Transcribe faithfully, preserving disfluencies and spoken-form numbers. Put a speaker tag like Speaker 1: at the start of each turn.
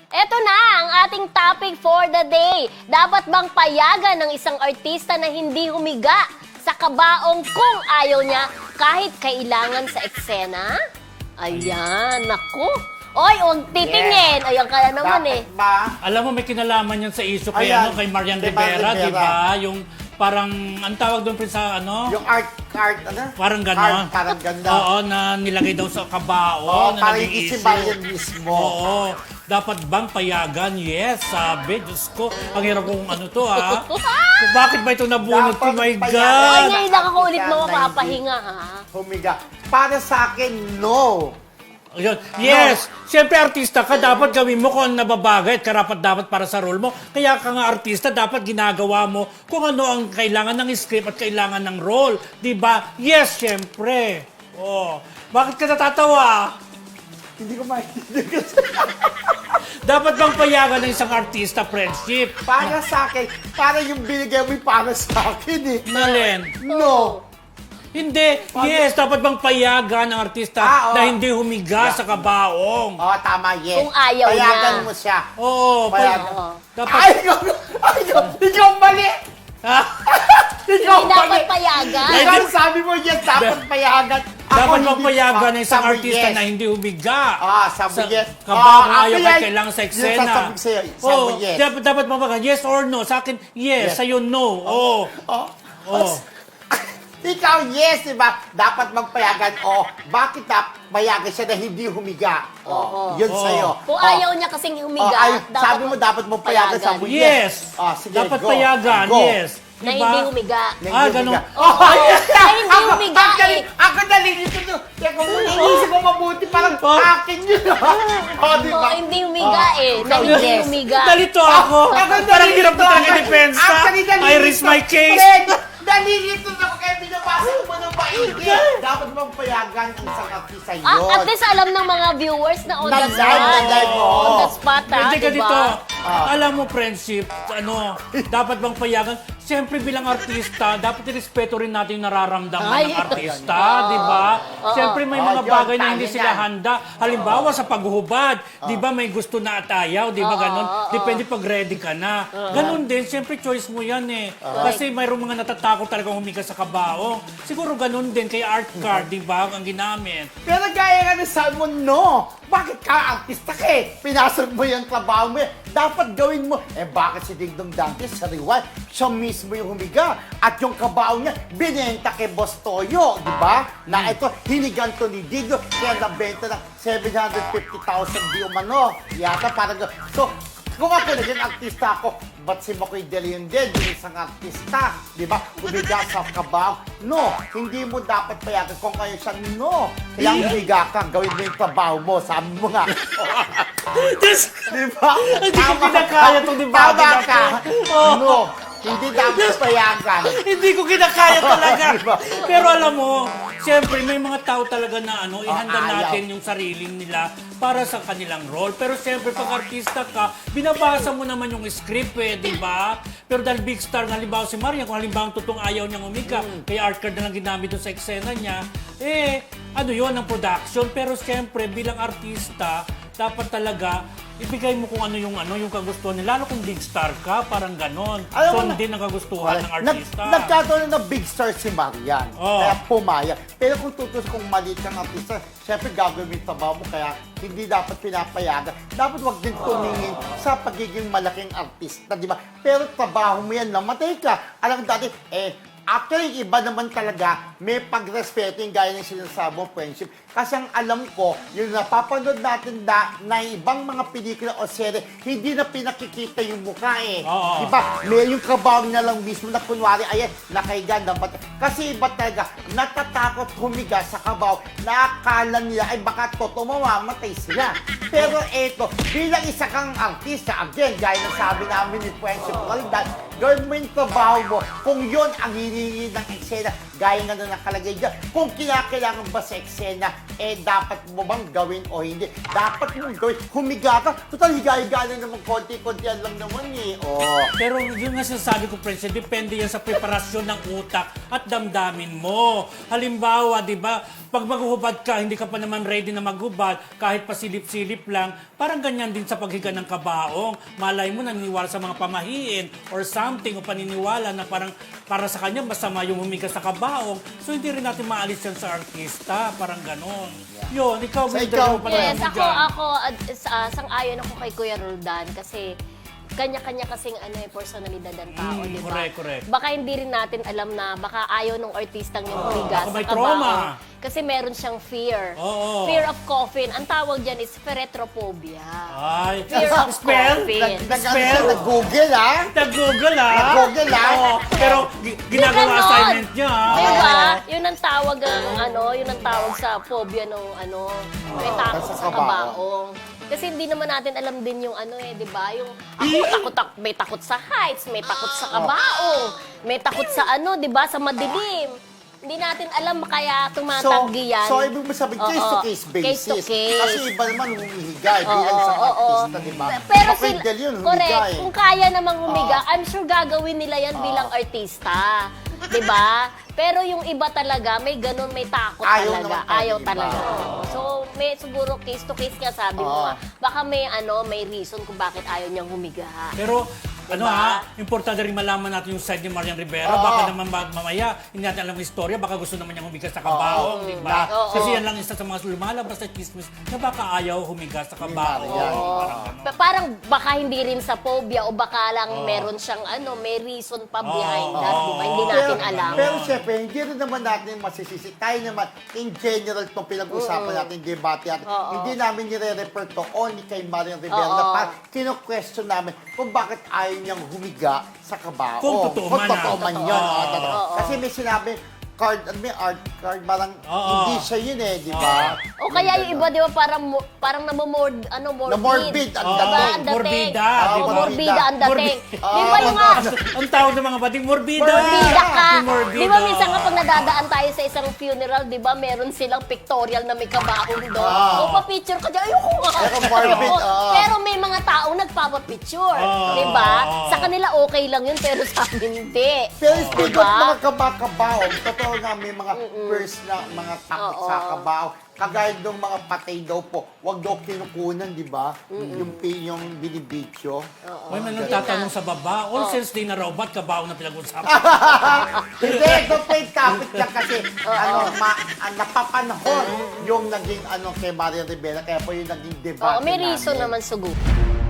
Speaker 1: Eto na ang ating topic for the day. Dapat bang payagan ng isang artista na hindi humiga sa kabaong kung ayaw niya kahit kailangan sa eksena? Ayan, naku. Oy, huwag titingin.
Speaker 2: Yes.
Speaker 1: Ayan ka na naman eh.
Speaker 2: Dapat ba?
Speaker 3: Alam mo, may kinalaman yan sa issue kay,
Speaker 2: Ayan,
Speaker 3: ano, kay Marian
Speaker 2: kay
Speaker 3: Rivera,
Speaker 2: Marian
Speaker 3: di
Speaker 2: Rivera.
Speaker 3: ba? Yung parang, ang tawag doon prin sa ano?
Speaker 2: Yung art, art, ano?
Speaker 3: Parang ganon.
Speaker 2: Art, parang ganda.
Speaker 3: Oo, na nilagay daw sa kabao,
Speaker 2: Oo,
Speaker 3: na
Speaker 2: parang
Speaker 3: naging
Speaker 2: hindi si
Speaker 3: issue.
Speaker 2: Marian mismo.
Speaker 3: Oo. Dapat bang payagan? Yes, sabi. Diyos ko, ang hirap kong ano to, ha? Kung bakit ba ito nabunot ko?
Speaker 2: Dapat
Speaker 3: My
Speaker 2: payagan.
Speaker 3: God!
Speaker 1: Ay, ngayon lang ako ulit
Speaker 2: Sana
Speaker 1: makapahinga, ha?
Speaker 2: Humiga. Para sa akin, no.
Speaker 3: Ayun. Yes! Siyempre, artista ka, dapat gawin mo kung ano nababagay at karapat dapat para sa role mo. Kaya ka nga artista, dapat ginagawa mo kung ano ang kailangan ng script at kailangan ng role. Di ba? Yes, siyempre. Oh. Bakit ka natatawa?
Speaker 2: Hindi ko maintindihan.
Speaker 3: Dapat bang payagan ng isang artista, friendship?
Speaker 2: Para sa akin, para yung binigay mo yung para sa akin eh.
Speaker 3: Nalen?
Speaker 2: No.
Speaker 3: Hindi. Yes, dapat bang payagan ng artista
Speaker 2: Ah, oo.
Speaker 3: na hindi humiga sa kabaong?
Speaker 2: Oh, tama, yes.
Speaker 1: Kung ayaw
Speaker 2: Payagan
Speaker 1: niya.
Speaker 2: mo siya.
Speaker 3: Oo.
Speaker 2: Payagan.
Speaker 3: pay-
Speaker 1: Oo.
Speaker 3: Dapat...
Speaker 2: Ay, ikaw, ay, ikaw, ikaw mali.
Speaker 3: Ha?
Speaker 2: Ikaw
Speaker 1: Hindi dapat
Speaker 2: mali.
Speaker 1: payagan.
Speaker 2: Ikaw sabi mo, yes, dapat payagan. Ako,
Speaker 3: Dapat bang
Speaker 2: hindi-
Speaker 3: payagan ng isang
Speaker 2: sabi,
Speaker 3: artista
Speaker 2: yes.
Speaker 3: na hindi humiga?
Speaker 2: Ah, sabi
Speaker 3: sa
Speaker 2: yes.
Speaker 3: Kabaong
Speaker 2: Ah,
Speaker 3: ayaw
Speaker 2: ako
Speaker 3: kahit
Speaker 2: yan.
Speaker 3: kailangan sa
Speaker 2: Yung
Speaker 3: eksena.
Speaker 2: sasabihin sa'yo, sabi
Speaker 3: Oo,
Speaker 2: yes.
Speaker 3: dapat, dapat mabaga, yes or no? Sa akin, yes.
Speaker 2: Yes.
Speaker 3: Sa'yo, no. Oo.
Speaker 2: Oh,
Speaker 3: Oo.
Speaker 2: ikaw, yes, diba? Dapat magpayagan. O, bakit na payagan siya na hindi humiga? O,
Speaker 1: Oo.
Speaker 2: yun
Speaker 3: Oo.
Speaker 2: sa'yo.
Speaker 1: Kung
Speaker 2: O,
Speaker 1: ayaw niya kasing
Speaker 2: o,
Speaker 1: humiga,
Speaker 2: ay,
Speaker 1: dapat
Speaker 2: sabi mo dapat mo payagan, sabi mo yes.
Speaker 3: Yes.
Speaker 2: O, sige,
Speaker 3: Dapat
Speaker 2: go.
Speaker 3: payagan,
Speaker 2: Go.
Speaker 3: yes.
Speaker 1: na
Speaker 3: Diba?
Speaker 1: hindi humiga.
Speaker 2: Na
Speaker 3: Ah,
Speaker 2: hindi
Speaker 3: ganun.
Speaker 2: humiga. Oh,
Speaker 1: Na hindi
Speaker 2: ako-
Speaker 1: humiga
Speaker 2: ako dali-
Speaker 1: eh.
Speaker 2: Ako nalilito to. Kaya kung inisip mo mabuti, parang
Speaker 3: Oh.
Speaker 2: akin yun. O, diba?
Speaker 1: Oo, hindi humiga
Speaker 2: Oh,
Speaker 1: eh. Na
Speaker 2: ikaw,
Speaker 1: hindi
Speaker 2: yes.
Speaker 1: humiga.
Speaker 3: Nalito ako.
Speaker 2: Ako
Speaker 3: Parang
Speaker 2: nalilito
Speaker 3: hirap na talaga
Speaker 2: ako.
Speaker 3: depensa.
Speaker 2: Actually, nalilito.
Speaker 3: I risk my case.
Speaker 2: Fred, nalilito na ako kaya binabasa mo ng maigi. Dapat bang payagan ang isang artista yun?
Speaker 1: Ah, at least alam ng mga viewers na on
Speaker 2: Na
Speaker 1: the
Speaker 2: live, na
Speaker 1: spot.
Speaker 2: live, oo.
Speaker 1: On the spot, ha?
Speaker 3: Hindi ka
Speaker 1: diba?
Speaker 3: dito.
Speaker 2: Ah.
Speaker 3: Alam mo, friendship, ano, dapat bang payagan? Siyempre bilang artista, dapat irespeto rin natin yung nararamdaman
Speaker 1: Ay.
Speaker 3: ng artista, di ba? Siyempre may
Speaker 2: Oo,
Speaker 3: mga
Speaker 2: yun,
Speaker 3: bagay na
Speaker 2: tama
Speaker 3: hindi
Speaker 2: yan.
Speaker 3: sila handa. Halimbawa sa paghuhubad, di ba may gusto na at ayaw, di ba ganon? Depende pag ready ka na. Ganon din, siyempre choice mo yan eh. Kasi mayroong mga natatakot talagang humiga sa kabaong. Siguro ganon din kay art card, di ba, ang ginamit.
Speaker 2: Pero gaya nga na sabi mo, no. Bakit ka artista ka eh? Pinasok mo yung trabaho mo eh. Dapat gawin mo. Eh bakit si Dingdong Dantes sa Rewind? Siya mismo yung humiga. At yung kabaho niya, binenta kay Boss Toyo. Di ba? Na ito, hinigan to ni Digdo. Kaya nabenta ng seven hundred fifty thousand di umano. Yata parang gano'n. So, kung ako naging artista ako, ba't si Makoy De Leon din, yung isang artista, di ba? Humiga sa kabaw. No, hindi mo dapat payagan kung kayo siya, no. Kaya humiga ka, gawin mo yung trabaho mo, sabi mo nga.
Speaker 3: Diyos
Speaker 2: Di ba?
Speaker 3: Hindi ko
Speaker 2: Tama
Speaker 3: kinakaya
Speaker 2: ka.
Speaker 3: tong debate
Speaker 2: Tama
Speaker 3: na
Speaker 2: ka.
Speaker 3: to.
Speaker 2: No, hindi dapat payagan.
Speaker 3: Hindi ko kinakaya talaga.
Speaker 2: Diba?
Speaker 3: Pero alam mo, siyempre may mga tao talaga na ano, ihanda
Speaker 2: ayaw.
Speaker 3: natin yung sarili nila para sa kanilang role. Pero siyempre pag artista ka, binabasa mo naman yung script eh, di ba? Pero dahil big star na halimbawa si Marian, kung halimbawa totoong ayaw niyang umika, kaya art card na lang ginamit doon sa eksena niya, eh, ano yun, ang production. Pero siyempre, bilang artista, dapat talaga ibigay mo kung ano yung ano yung kagustuhan nila. Lalo kung big star ka, parang ganon.
Speaker 2: Alam mo
Speaker 3: Sundin ang kagustuhan ng artista.
Speaker 2: Nag, nagkataon na big star si Marian.
Speaker 3: Oo.
Speaker 2: Kaya pumaya. Pero kung tutus kung maliit kang artista, syempre gagawin mo yung trabaho mo. Kaya hindi dapat pinapayagan. Dapat wag din tumingin sa pagiging malaking artista, di ba? Pero trabaho mo yan, namatay ka. Alam mo dati, eh, actually, iba naman talaga, may pagrespeto yung gaya ng sinasabi mo, friendship. Kasi ang alam ko, yung napapanood natin da, na ibang mga pelikula o serye, hindi na pinakikita yung mukha eh.
Speaker 3: Oo.
Speaker 2: Diba? May yung kabaw na lang mismo na kunwari, ayan, nakahiga, dapat. Kasi iba talaga, natatakot humiga sa kabaw, nakakala nila, ay baka totoo mamamatay sila. Pero eto, bilang isa kang artista, again, gaya ng sabi namin ni Friendship Qualidad, gawin mo yung trabaho mo. Kung yun ang hinihingi ng eksena, gaya nga na nakalagay dyan, kung kinakailangan ba sa eksena, eh dapat mo bang gawin o hindi? Dapat mo gawin, humiga ka, total higa-higa na naman, konti-konti lang naman eh. Oh.
Speaker 3: Pero yun nga sinasabi ko, Prince, depende yan sa preparasyon ng utak at damdamin mo. Halimbawa, di ba, pag maghuhubad ka, hindi ka pa naman ready na maghubad, kahit pa silip-silip lang, parang ganyan din sa paghiga ng kabaong. Malay mo, naniniwala sa mga pamahiin or something, o paniniwala na parang para sa kanya, masama yung humiga sa kabaong. So, hindi rin natin maalis yan sa artista. Parang ganon. Yun, ikaw,
Speaker 2: So,
Speaker 3: Wilder,
Speaker 2: ikaw,
Speaker 3: ano pala
Speaker 1: Yes,
Speaker 3: mo
Speaker 1: ako,
Speaker 3: dyan?
Speaker 1: ako, uh, sang-ayon ako kay Kuya Roldan kasi kanya-kanya kasing ano eh, personalidad ng tao,
Speaker 3: Mm,
Speaker 1: di ba?
Speaker 3: correct, correct.
Speaker 1: Baka hindi rin natin alam na baka ayaw ng artistang yung humiga
Speaker 3: baka
Speaker 1: sa
Speaker 3: may
Speaker 1: kabaong.
Speaker 3: trauma.
Speaker 1: Kasi meron siyang fear.
Speaker 3: Oo.
Speaker 1: Fear of coffin. Ang tawag dyan is feretrophobia.
Speaker 3: Ay,
Speaker 1: Fear of
Speaker 3: spell?
Speaker 1: coffin.
Speaker 2: Nag, nag,
Speaker 3: Spell?
Speaker 2: nag-google ah.
Speaker 3: Nag-google ah.
Speaker 2: Nag-google, ah.
Speaker 3: Oo, pero gi- ginagawa
Speaker 1: ganon.
Speaker 3: assignment niya ah.
Speaker 1: Di ba? Yun ang tawag ang ano, yun ang tawag sa phobia ng ano, may takot
Speaker 2: Sa
Speaker 1: sa
Speaker 2: kabaong.
Speaker 1: kabaong. Kasi hindi naman natin alam din yung ano eh, di ba? Yung ako takot, tak may takot sa heights, may takot sa kabaong, may takot sa ano, di ba? Sa madilim. Hindi natin alam kaya
Speaker 2: So,
Speaker 1: tumatanggi yan.
Speaker 2: so ibig mo sabihin,
Speaker 1: Oo.
Speaker 2: case-to-case basis.
Speaker 1: Case to case.
Speaker 2: Kasi iba naman humihiga eh, bilang
Speaker 1: Oo,
Speaker 2: sa
Speaker 1: oo,
Speaker 2: artista, di ba?
Speaker 1: Pe- Pero
Speaker 2: Baka
Speaker 1: sila,
Speaker 2: ideal yun, humiga
Speaker 1: correct,
Speaker 2: eh.
Speaker 1: kung kaya namang humiga,
Speaker 2: Oo.
Speaker 1: I'm sure gagawin nila yan bilang artista. 'Di ba? Pero yung iba talaga, may ganun, may takot
Speaker 2: Ayaw
Speaker 1: talaga.
Speaker 2: naman talaga
Speaker 1: Ayaw
Speaker 2: iba.
Speaker 1: talaga. So, may siguro case to case nga sabi mo
Speaker 2: Oo.
Speaker 1: nga. Baka may ano, may reason kung bakit ayaw niyang humiga.
Speaker 3: Pero, ano
Speaker 1: Diba?
Speaker 3: ha, importante rin malaman natin yung side ni Marian Rivera.
Speaker 2: Oo.
Speaker 3: Baka naman ma- mamaya, hindi natin alam yung istorya, baka gusto naman niyang humiga sa kabaong, di ba?
Speaker 1: Oo.
Speaker 3: Kasi yan lang isa sa mga lumalabas sa chismis na baka ayaw humiga sa kabaong.
Speaker 2: Marian.
Speaker 3: Parang ganon.
Speaker 1: Pa- Parang baka hindi rin sa phobia o baka lang meron siyang ano, may reason pa behind that, di ba? Hindi natin
Speaker 2: pero,
Speaker 1: alam.
Speaker 2: Pero syempre, hindi rin naman natin masisisi. Tayo naman, in general, itong pinag-usapan natin, debate natin,
Speaker 1: Oo.
Speaker 2: hindi namin nire-refer to only kay Marian Rivera
Speaker 1: Oo.
Speaker 2: na parang kino-question namin kung bakit ayaw niyang humiga sa kabao.
Speaker 3: Kung totoo man,
Speaker 2: totoo
Speaker 3: ah.
Speaker 2: man
Speaker 3: Totoo.
Speaker 2: yun.
Speaker 3: Oo.
Speaker 2: ah, totoo.
Speaker 1: Oo.
Speaker 2: Kasi may sinabi, card, ano may art card, parang
Speaker 3: Oo.
Speaker 2: hindi siya yun eh, di ba?
Speaker 1: O kaya yung iba, di ba, parang, mo- parang namomord, ano, morbid.
Speaker 2: Na morbid, ang
Speaker 3: Oo,
Speaker 1: Diba?
Speaker 2: dating.
Speaker 1: Ang dating.
Speaker 3: morbida,
Speaker 2: Ah,
Speaker 3: di ba?
Speaker 1: Oo, morbida ang dating.
Speaker 3: Morbida.
Speaker 1: Di ba yung nga,
Speaker 3: Ang tawag ng mga bading, morbida!
Speaker 1: morbida ka.
Speaker 3: Yung morbida.
Speaker 1: Di ba minsan kapag nadadaan tayo sa isang funeral, di ba, meron silang pictorial na may kabaong doon.
Speaker 2: Ah.
Speaker 1: O pa-picture ka dyan, ayoko nga.
Speaker 2: Ayoko morbid,
Speaker 1: Oo.
Speaker 2: ah.
Speaker 1: Pero may mga taong nagpapapicture.
Speaker 3: Ah.
Speaker 1: Di ba?
Speaker 3: Ah.
Speaker 1: Sa kanila okay lang yun, pero sa amin hindi.
Speaker 2: Pero speak of
Speaker 1: Diba?
Speaker 2: mga kabakabaong, totoo nga may mga first na mga takot
Speaker 1: Oo.
Speaker 2: sa kabaong. Kagaya ng mga patay daw po, wag daw kinukunan, di ba? Yung, pi- yung binibidyo.
Speaker 3: May man tatanong sa baba, all since di na raw, ba't kabaong na pinag-usapan?
Speaker 2: Hindi, ito pa yung topic niya kasi ano, ma, ah, napapanahon yung naging ano kay Maria Rivera, kaya po yung naging debate
Speaker 1: Oo, may reason
Speaker 2: namin.
Speaker 1: naman sugo.